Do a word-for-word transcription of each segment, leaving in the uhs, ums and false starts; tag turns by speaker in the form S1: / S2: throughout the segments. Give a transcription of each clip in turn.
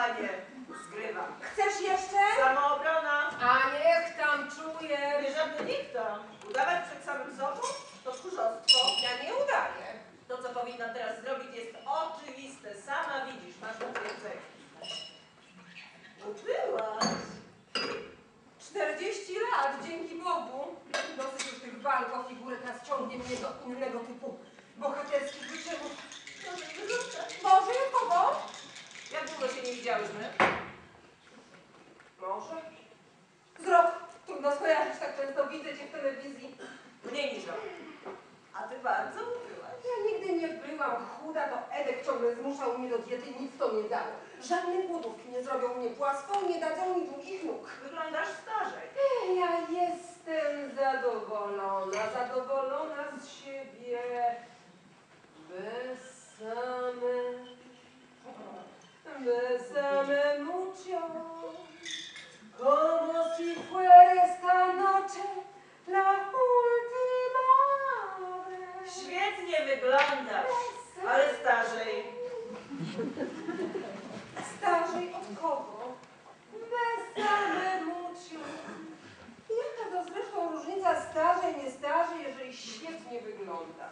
S1: panie, zgrywam.
S2: Chcesz jeszcze?
S1: Samoobrona.
S2: A niech tam czuje.
S1: Nie żadny nikt tam. Udawać przed samym sobą to tchórzostwo.
S2: Ja nie udaję.
S1: To, co powinna teraz zrobić, jest oczywiste. Sama widzisz, masz potwierdzenie. Ubyłaś.
S2: czterdzieści lat, dzięki Bogu. Dosyć już tych walk o figurę, teraz ciągnie mnie do innego typu bohaterskich wyczynów. Może kogo?
S1: Jak długo się nie widziałyśmy?
S2: Może. Z rok. Trudno skojarzyć, tak często widzę cię w telewizji.
S1: Mniej niż rok. A ty bardzo ubyłaś.
S2: Ja nigdy nie byłam chuda, to Edek ciągle zmuszał mnie do diety i nic to nie dało. Żadne głodówki nie zrobią mnie płaską, nie dadzą mi długich nóg.
S1: Wyglądasz starzej.
S2: Ja jestem zadowolona, zadowolona z siebie. Besame, besame mucho, como si fuera esta noche la última vez.
S1: Świetnie wyglądasz, ale starzej.
S2: Starzej od kogo? Besame mucho. Jaka to zresztą różnica starzej, nie starzej, jeżeli świetnie wyglądam?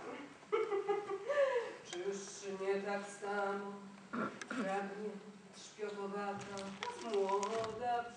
S2: Czyż nie tak samo pragnie trzpiotowata, młoda?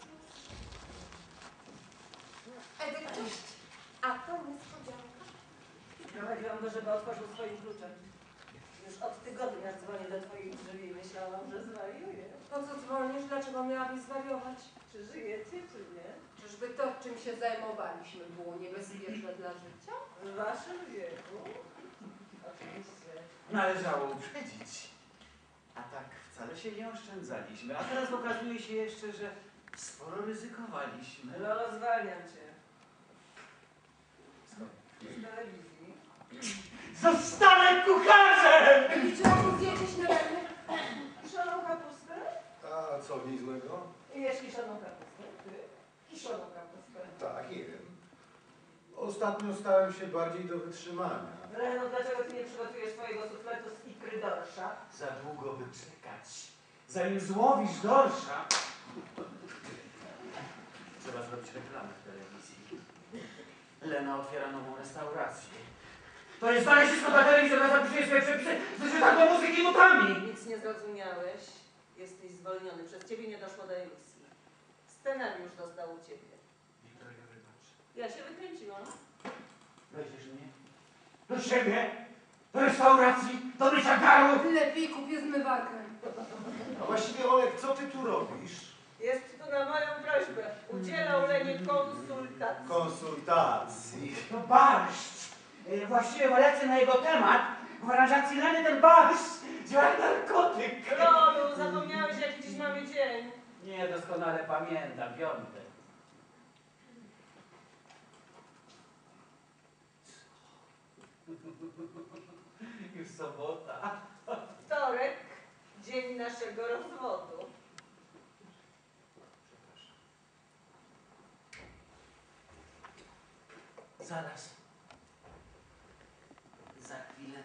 S2: Edek, cześć. A to niespodzianka.
S1: Prowadziłam go, żeby otworzył swoim kluczem. Już od tygodnia dzwonię do twoich drzwi i myślałam, że zwariuję.
S2: Po co dzwonisz? Dlaczego miałabyś zwariować?
S1: Czy żyjecie, czy nie?
S2: Czyżby to, czym się zajmowaliśmy, było niebezpieczne dla życia?
S1: W waszym wieku? Oczywiście.
S3: Należało uprzedzić. A tak wcale się nie oszczędzaliśmy. A teraz okazuje się jeszcze, że sporo ryzykowaliśmy.
S1: Lolo, zwalniam cię.
S3: Skąd?
S1: Z telewizji.
S3: Zostanę kucharzem!
S2: Liczyłam zjecie śniadanie.
S1: Kiszoną kapustę?
S4: A co w niej złego?
S1: Jesz kiszoną kapustę? Ty? Kiszoną kapustę.
S4: Tak, jem. Ostatnio stałem się bardziej do wytrzymania.
S1: Reno, dlaczego ty nie przygotujesz swojego sufletu z ikry dorsza?
S3: Za długo by czekać. Zanim złowisz dorsza... Trzeba zrobić reklamę w telewizji. Lena otwiera nową restaurację. To jest znalezisko dla telewizji, ona zapisuje swoje przepisy z czytadło muzyki nutami.
S1: Nic nie zrozumiałeś. Jesteś zwolniony. Przez ciebie nie doszło do emisji. Scenariusz dostał u ciebie.
S3: Wiktoria, wybacz.
S1: Ja się wykręciłam.
S3: Weźmiesz mnie? Do siebie? Do restauracji? Do mycia garów?
S2: Lepiej kupię zmywarkę.
S4: A właściwie, Olek, co ty tu robisz?
S1: Jest tu na moją prośbę. Udzielał Lenie konsultacji.
S4: Konsultacji.
S3: To barszcz. E, Właściwie lecę na jego temat. W aranżacji Leny ten barszcz działa jak narkotyk.
S1: Lolu, zapomniałeś, jaki dziś mamy dzień.
S3: Nie, doskonale pamiętam. Piątek. Już sobota.
S1: Wtorek, dzień naszego rozwodu.
S3: Zaraz. Za chwilę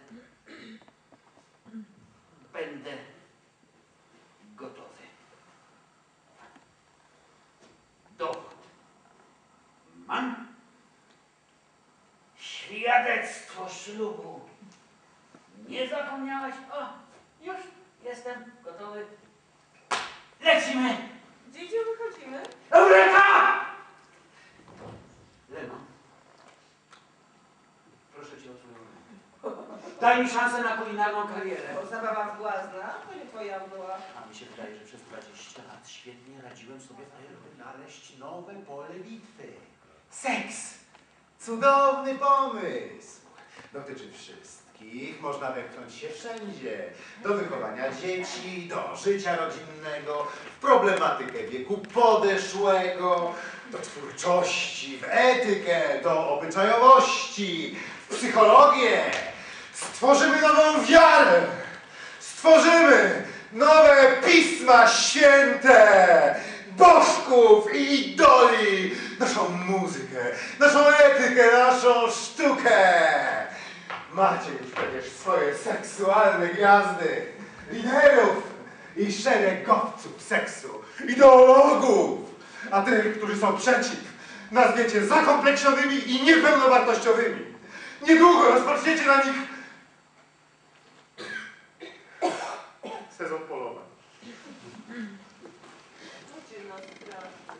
S3: będę gotowy. Dowód mam. Świadectwo ślubu. Nie zapomniałaś? O, już jestem gotowy. Lecimy!
S1: Gdzie wychodzimy?
S3: Eureka! Leno, proszę cię o twoją rękę. Daj mi szansę na kulinarną karierę.
S1: Bo zabawa błazna, to nie twoja była.
S3: A mi się wydaje, że przez dwadzieścia lat świetnie radziłem sobie w tej roli.
S4: Znaleźć nowe pole bitwy. Seks! Cudowny pomysł! Dotyczy wszystkich, można wepchnąć się wszędzie. Do wychowania dzieci, do życia rodzinnego, w problematykę wieku podeszłego, do twórczości, w etykę, do obyczajowości, w psychologię. Stworzymy nową wiarę! Stworzymy nowe Pisma Święte! Bożków i idoli! Naszą muzykę, naszą etykę, naszą sztukę! Macie już przecież swoje seksualne gwiazdy, liderów, i szeregowców seksu, ideologów, a tych, którzy są przeciw, nazwiecie zakompleksionymi i niepełnowartościowymi. Niedługo rozpoczniecie na nich sezon polowań.
S1: Ludzie no strasznie.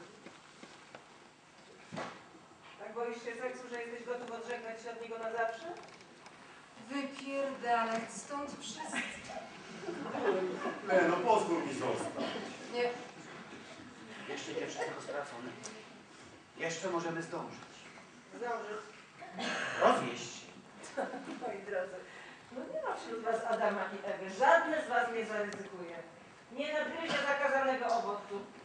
S1: Tak boisz się seksu, że jesteś gotów odżegnać się od niego na zawsze?
S2: Wypierdalać stąd wszyscy.
S5: Leno, pozwól mi zostać.
S2: Nie,
S3: Jeszcze nie wszystko stracone. Jeszcze możemy zdążyć.
S1: Zdążysz.
S3: Rozwieść się.
S1: Moi drodzy, no nie ma wśród was Adama i Ewy. Żadne z was nie zaryzykuje. Nie nadgryzie zakazanego owocu.